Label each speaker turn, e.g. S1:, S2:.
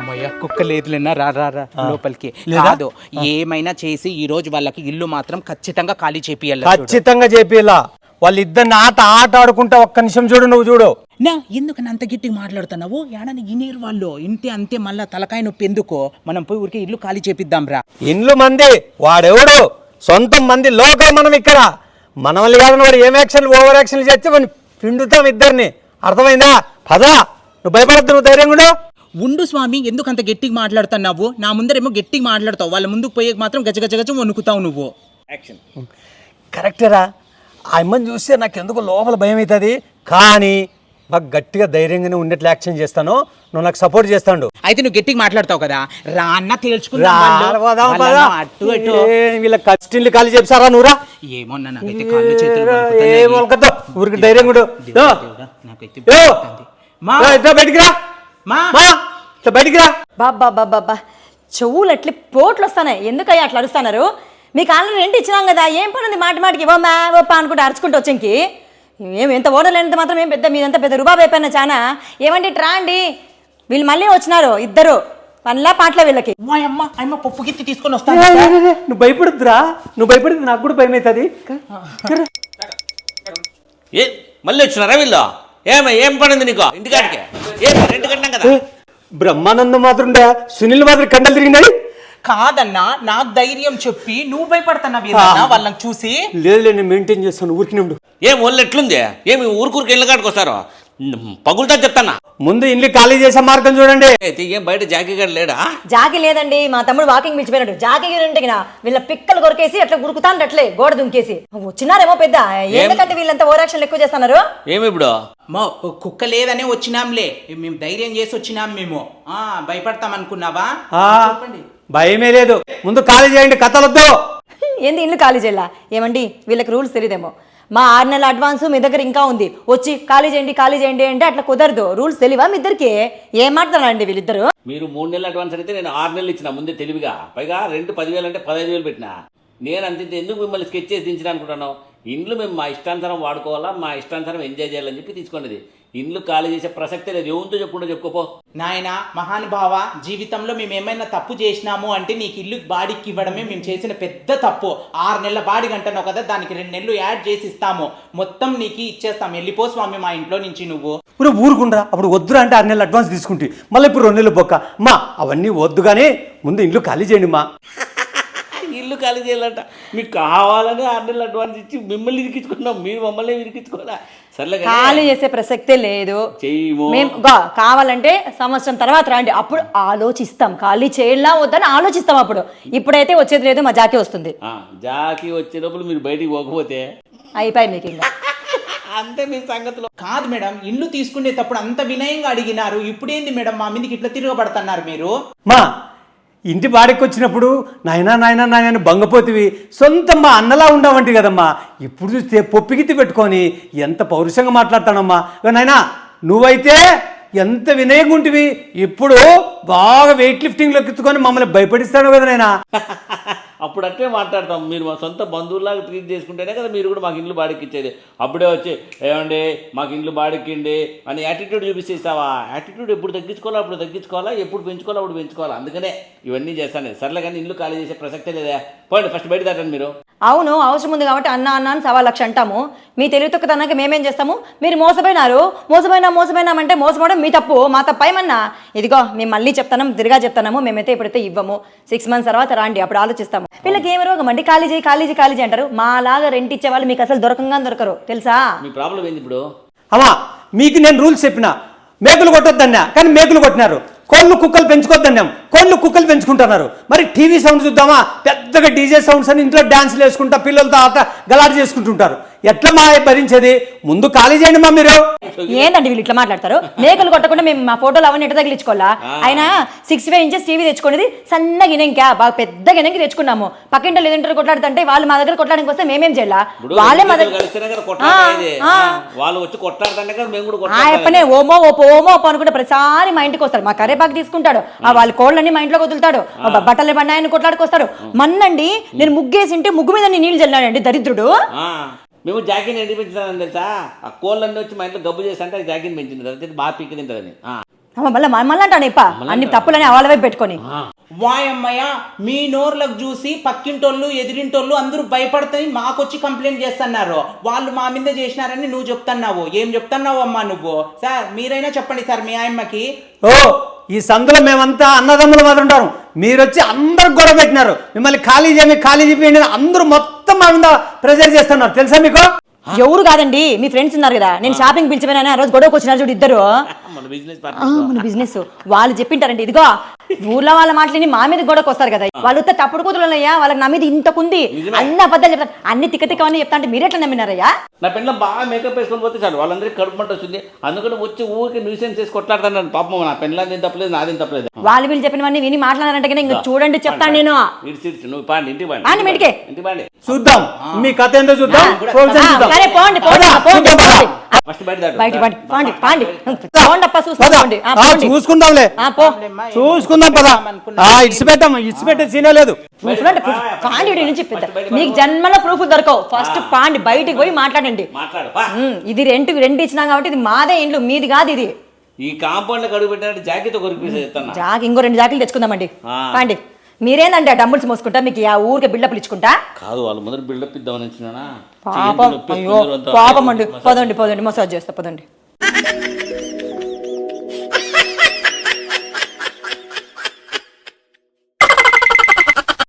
S1: కుక్క లేదులేనా రా రా రా లోపలికి కాదు ఏమైనా చేసి ఈ రోజు వాళ్ళకి ఇల్లు మాత్రం ఖచ్చితంగా ఖాళీ చేపియాలి
S2: ఖచ్చితంగా చేపియాలా వాళ్ళిద్దరిని ఆట ఆడుకుంటా ఒక్క నిమిషం చూడు నువ్వు చూడు
S1: నా ఎందుకని అంత గట్టిగా మాట్లాడుతున్నావు ఏడని ఇనేరు వాళ్ళు ఇంటి అంతే మళ్ళా తలకాయ నొప్పి ఎందుకో మనం పోయి ఊరికే ఇల్లు ఖాళీ చేపిద్దాం రా
S2: ఇండ్లు మంది వాడెవడు సొంతం మంది లోకల్ మనం ఇక్కడ మన వాళ్ళు కాదని వాడు ఏం యాక్షన్ ఓవర్ యాక్షన్ చేస్తే మనం పిండుతాం ఇద్దరిని అర్థమైందా పదా నువ్వు భయపడద్దు నువ్వు ధైర్యంగా
S1: ఉండు స్వామి ఎందుకు అంత గట్టిగా మాట్లాడుతున్నావు నా ముందరేమో గట్టిగా మాట్లాడతావు వాళ్ళ ముందుకు పోయే మాత్రం గజగజ వణుకుతావు నువ్వు యాక్షన్
S2: కరెక్టేరా ఆ అమ్మని చూస్తే నాకు ఎందుకు లోపల భయం అవుతుంది కానీ మాకు గట్టిగా ధైర్యంగానే ఉండేట్లు యాక్షన్ చేస్తాను నువ్వు నాకు సపోర్ట్ చేస్తాడు
S1: అయితే నువ్వు గట్టిగా మాట్లాడతావు కదా రా అన్న
S2: వీళ్ళ కష్టిల్ని ఖాళీ చెప్పారా నువ్వురా
S1: ఏమో నాకైతే కాళ్ళు చేతులు
S2: ఊరికి ధైర్యం కూడా బయటికి రా బయటికి రా
S3: బాబా చెవులు అట్లా పోట్లు వస్తాయి ఎందుకయ్యా అట్లా అరుస్తున్నారు మీకు ఆల్రెడీ రెంట్ ఇచ్చినాం కదా ఏం పని ఉంది మాటికి ఇవ్వమ్మా ఓప్ప అనుకుంటే అరుచుకుంటూ వచ్చేకి ఎంత ఓనర్ లేనంత మాత్రం ఏం పెద్ద మీదంతా పెద్ద రుబాబు అయిపోయినా చాలా ఏమంటే ట్రా అండి వీళ్ళు మళ్ళీ వచ్చినారు ఇద్దరు పనిలా పాటలే వీళ్ళకి
S1: అమ్మ పప్పు గిత్తి తీసుకొని వస్తాను
S2: నువ్వు భయపడుద్దురా నువ్వు భయపడుద్దు నాకు కూడా భయం అవుతుంది
S4: మళ్ళీ వచ్చినారా వీళ్ళు ఏం పడింది నీకు ఇంటికాడికి రెండు కట్టినాం కదా
S2: బ్రహ్మానందం మాత్రం సునీల్ మాత్రం కండలు తిరిగినాయి
S1: కాదన్నా నాకు ధైర్యం చెప్పి నువ్వు భయపడుతున్నావు వాళ్ళని చూసి
S2: లేదు నేను మెయింటైన్ చేస్తాను ఊరికి
S4: ఏం ఒళ్ళు ఎట్లుంది ఏమి ఊరికి ఇళ్ళ కాడికి వస్తారు పగులుతా చెప్తానా
S2: ముందు ఇల్లు ఖాళీ చేసే మార్గం చూడండి
S4: ఏం బయట జాకీ గడ లేడా
S3: జాకీ లేదండి మా తమ్ముడు వాకింగ్ పిలిచిపోయినాడు జాకీ ఉంటే వీళ్ళ పిక్కలు కొరికేసి అట్లా గురుకుతాను అట్లే గోడ దుంకేసి వచ్చినారేమో పెద్ద ఎందుకంటే వీళ్ళంతా ఓవరాక్షన్ ఎక్కువ చేస్తున్నారు
S4: ఏమి ఇప్పుడు
S1: కుక్క లేదనే వచ్చినాంలే మేము ధైర్యం చేసి వచ్చినాం మేము భయపడతాం అనుకున్నావా
S2: భయమే లేదు ముందు ఖాళీ చేయండి కథలొద్దు
S3: ఏంది ఇల్లు ఖాళీ చేయాల ఏమండి వీళ్ళకి రూల్స్ తెలియదేమో మా 6 నెలల అడ్వాన్స్ మీ దగ్గర ఇంకా ఉంది వచ్చి ఖాళీ చేయండి అంటే అట్లా కుదరదు రూల్స్ తెలియవా మీ ఇద్దరికి ఏం మాట్లాడాలండి వీళ్ళిద్దరు
S4: మీరు 3 నెలల అడ్వాన్స్ అయితే నేను 6 నెలలు ఇచ్చిన ముందే తెలివిగా పైగా రెంట్ 10,000 అంటే 15,000 పెట్టినా నేను అంత ఎందుకు మిమ్మల్ని స్కెచ్ చేసి దించిన అనుకుంటాను ఇండ్లు మేము మా ఇష్టానుసారం వాడుకోవాలా మా ఇష్టానుసారం ఎంజాయ్ చేయాలని చెప్పి తీసుకున్నది ఇండ్లు ఖాళీ చేసే ప్రసక్తే లేదు ఏముందో చెప్పుకుంటూ చెప్పుకోపో
S1: నాయన మహానుభావ జీవితంలో మేము ఏమైనా తప్పు చేసినాము అంటే నీకు ఇల్లు బాడికి ఇవ్వడమే మేము చేసిన పెద్ద తప్పు 6 నెలల బాడికి అంటున్నావు కదా దానికి 2 నెలలు యాడ్ చేసి ఇస్తాము మొత్తం నీకు ఇచ్చేస్తాం వెళ్ళిపో స్వామి మా ఇంట్లో నుంచి నువ్వు
S2: ఇప్పుడు ఊరుకుంటా అప్పుడు వద్దురా అంటే 6 నెలలు అడ్వాన్స్ తీసుకుంటే మళ్ళీ ఇప్పుడు 2 నెలలు బొక్క మా అవన్నీ వద్దు కానీ ముందు ఇల్లు ఖాళీ చేయండి మా
S4: ఇల్లు ఖాళీ చేయాలంట మీకు కావాలని 6 నెలలు అడ్వాన్స్ ఇచ్చి మిమ్మల్ని ఇరికించుకున్నాం మీరు మమ్మల్ని ఇరికించుకోవాలా సర్లే
S3: ఖాళీ చేసే ప్రసక్తే లేదు మేము కావాలంటే సంవత్సరం తర్వాత రండి అప్పుడు ఆలోచిస్తాం ఖాళీ చేయాలా వద్దని ఆలోచిస్తాం అప్పుడు ఇప్పుడైతే వచ్చేది లేదు మా జాకీ వస్తుంది
S4: జాకీ వచ్చేటప్పుడు మీరు బయటికి పోకపోతే
S3: అయిపోయి మీకు ఇంకా
S4: అంతే మీ సంగతిలో
S1: కాదు మేడం ఇల్లు తీసుకునేటప్పుడు అంత వినయంగా అడిగినారు ఇప్పుడేంది మేడం మా మీదకి ఇట్లా తిరగబడుతున్నారు మీరు
S2: మా ఇంటి బాడికి వచ్చినప్పుడు నాయనా బంగపోతివి సొంతం మా అన్నలా ఉండవంటి కదమ్మా ఇప్పుడు చూస్తే పొప్పిగిత్తి పెట్టుకొని ఎంత పౌరుషంగా మాట్లాడతానమ్మా నాయనా నువ్వైతే ఎంత వినయంగా ఉంటివి ఇప్పుడు బాగా వెయిట్ లిఫ్టింగ్లో ఎత్తుకొని మమ్మల్ని భయపడిస్తాను కదా నాయనా
S4: అప్పుడు అట్లే మాట్లాడతాం మీరు మా సొంత బంధువులాగా ట్రీట్ చేసుకుంటేనే కదా మీరు కూడా మాకు ఇండ్లు బాడికి ఇచ్చేది అప్పుడే వచ్చి ఏమండి మాకు ఇండ్లు బాడిక్కిండి అని యాటిట్యూడ్ చూపిస్తేస్తావా యాటిట్యూడ్ ఎప్పుడు తగ్గించుకోవాలా అప్పుడు తగ్గించుకోవాలా ఎప్పుడు పెంచుకోవాలా అప్పుడు పెంచుకోవాలా అందుకనే ఇవన్నీ చేస్తాను సర్లే కానీ ఇల్లు ఖాళీ చేసే ప్రసక్తే లేదా పోండి ఫస్ట్ బయట దాటండి మీరు
S3: అవును అవసరం ఉంది కాబట్టి అన్న అని 1,00,000 అంటాము మీ తెలివితొక్కతనాక మేమేం చేస్తాము మీరు మోసపోయినామంటే మోసపోవడం మీ తప్పు మా తప్పు ఏమన్నా ఇదిగో మేము మళ్ళీ తిరిగా చెప్తాము మేమైతే ఇప్పుడైతే ఇవ్వము 6 months తర్వాత రాండి అప్పుడు ఆలోచిస్తాము వీళ్ళకి ఏమి రోగం అండి ఖాళీ చేయి అంటారు మాలాగా రెంట్ ఇచ్చే వాళ్ళు మీకు అసలు దొరకరు తెలుసా
S4: మీ ప్రాబ్లం ఏంది ఇప్పుడు
S2: అమ్మా మీకు నేను రూల్స్ చెప్పిన మేకులు కొట్టొద్దన్నా కానీ మేకులు కొట్టినారు కోళ్ళు కుక్కలు పెంచుకోవద్దన్నాం కోళ్ళు కుక్కలు పెంచుకుంటున్నారు మరి టీవీ సౌండ్ చూద్దామా పెద్దగా డీజే సౌండ్స్ అని ఇంట్లో డాన్స్లు వేసుకుంటా పిల్లలతో ఆట గలాట చేసుకుంటుంటారు ఎట్లా మా భరించేది ముందు ఖాళీ చేయండి మా మీరు
S3: ఏందండి వీళ్ళు ఇట్లా మాట్లాడతారు మేకలు కొట్టకుండా మేము మా ఫోటోలు అవన్నీ ఎట్లా తగిలించుకోవాలా ఆయన 65 inches టీవీ తెచ్చుకునేది సన్న గినెంకా బాగా పెద్ద గినెంకి తెచ్చుకున్నాము పక్కింటో లేదంటారు కొట్లాడుతుంటే వాళ్ళు మా దగ్గర కొట్టడానికి వస్తే మేమేం చేయాలా వాళ్ళే మా దగ్గర ఓమో ఓపో అనుకుంటే ప్రతిసారి మా ఇంటికి వస్తారు మా కరేపాకు తీసుకుంటాడు వాళ్ళ కోళ్ళని మా ఇంట్లో వదులుతాడు బట్టలు బండాయని కొట్లాడుకొస్తారు మన్నండి నేను ముగ్గేసింటే ముగ్గు మీద నీళ్ళు చల్లాడండి దరిద్రుడు
S4: మేము జాకీని ఎండి పెంచుతానని తెలుసా ఆ కోళ్ళన్నీ వచ్చి మా ఇంట్లో గబ్బు చేసి అంటే జాకీని పెంచింది బాగా పీకి తింటుందని
S3: మళ్ళీ మళ్ళీ అంటాను ఇప్ప అన్ని తప్పులని వాళ్ళ వైపు పెట్టుకొని
S1: వాయమ్మయ్య మీ నోర్లకు చూసి పక్కింటోళ్ళు ఎదిరింటోళ్ళు అందరూ భయపడతాయి మాకొచ్చి కంప్లైంట్ చేస్తున్నారు వాళ్ళు మా మీద చేసినారని నువ్వు చెప్తున్నావు ఏం చెప్తున్నావు అమ్మా నువ్వు సార్ మీరైనా చెప్పండి సార్ మీ ఆయమ్మకి
S2: ఓ ఈ సందులో మేమంతా అన్నదమ్ములు మాత్రం ఉంటారు మీరు వచ్చి అందరు గొడవ పెట్టినారు మిమ్మల్ని ఖాళీ చేయండి అందరూ మొత్తం మా మీద ప్రెజర్ చేస్తున్నారు తెలుసా మీకు
S3: ఎవరు కాదండి మీ ఫ్రెండ్స్ ఉన్నారు కదా నేను షాపింగ్ పిలిచిపోయినా ఆ రోజు గొడవకు వచ్చినారు చూడు ఇద్దరు
S4: మన బిజినెస్
S3: మన బిజినెస్ వాళ్ళు చెప్పింటారండి ఇదిగో ఊర్లో వాళ్ళ మాటలని మా మీద గొడవకు వస్తారు కదా వాళ్ళు తప్పుడు కూతురులయ్యా వాళ్ళకి నా మీద ఇంతకుంది అన్ని అబద్ధాలు చెప్తారు అన్ని తిక్కతిక్కవన్నీ చెప్తా అంటే మీరు ఎట్లా నమ్మినారయ్యా
S4: నా పెళ్ళ బాగా మేకప్ వేసుకొని పోతే చాలు వాళ్ళందరికీ కడుపు మంట వస్తుంది అందుకని వచ్చి ఊరికి న్యూసెన్స్ చేసి కొట్లాడుతాను పాపం నా పెళ్ళని తప్పలేదు నాదేం తప్పలేదు
S3: వాళ్ళు వీళ్ళు చెప్పినవన్నీ విని మాట్లాడారంటే ఇంకా చూడండి చెప్తాను నేను
S4: ఇడిచి నువ్వు పాండి ఇంటికి పాండి
S3: ఆని మెడికే
S4: ఇంటికి పాండి
S2: చూద్దాం మీ కథ ఏంటో చూద్దాం
S3: సరే పోండి పోండి పోండి పోండి
S4: ఫస్ట్ బయట దాటు.
S3: బయట పండి పాండి పాండి పోండప్ప చూసుకోండి
S2: చూసుకుందాంలే
S3: పో
S2: చూసుకుందాం పదా ఇడిచిపెట్టే సీనే లేదు
S3: పాండి వీడి నుంచి పెద్ద మీకు జన్మలో ప్రూఫ్ దొరకవు ఫస్ట్ పాండి బయటికి పోయి మాట్లాడండి
S4: మాట్లాడు పా.
S3: ఇది రెంట్ ఇచ్చినాం కాబట్టి ఇది మాదే ఇండ్లు మీది కాదు ఇది
S4: ఈ కాంపౌండ్ లో కడుగు పెట్టినట్టు జాకెట్ కొరికి చెప్తాను
S3: జాకి ఇంకో 2 జాకెట్లు తెచ్చుకుందామండి
S4: ఆ.
S3: పాండి మీరేందంటే ఆ డబ్బుల్స్ మోసుకుంటా మీకు ఆ ఊరికే బిల్డప్లు ఇచ్చుకుంటా
S4: కాదు వాళ్ళు మొదటి బిల్డప్ ఇద్దామని వచ్చినా
S3: పాపం అయ్యో పాపం అండి పదండి మసాజ్ చేస్తా పదండి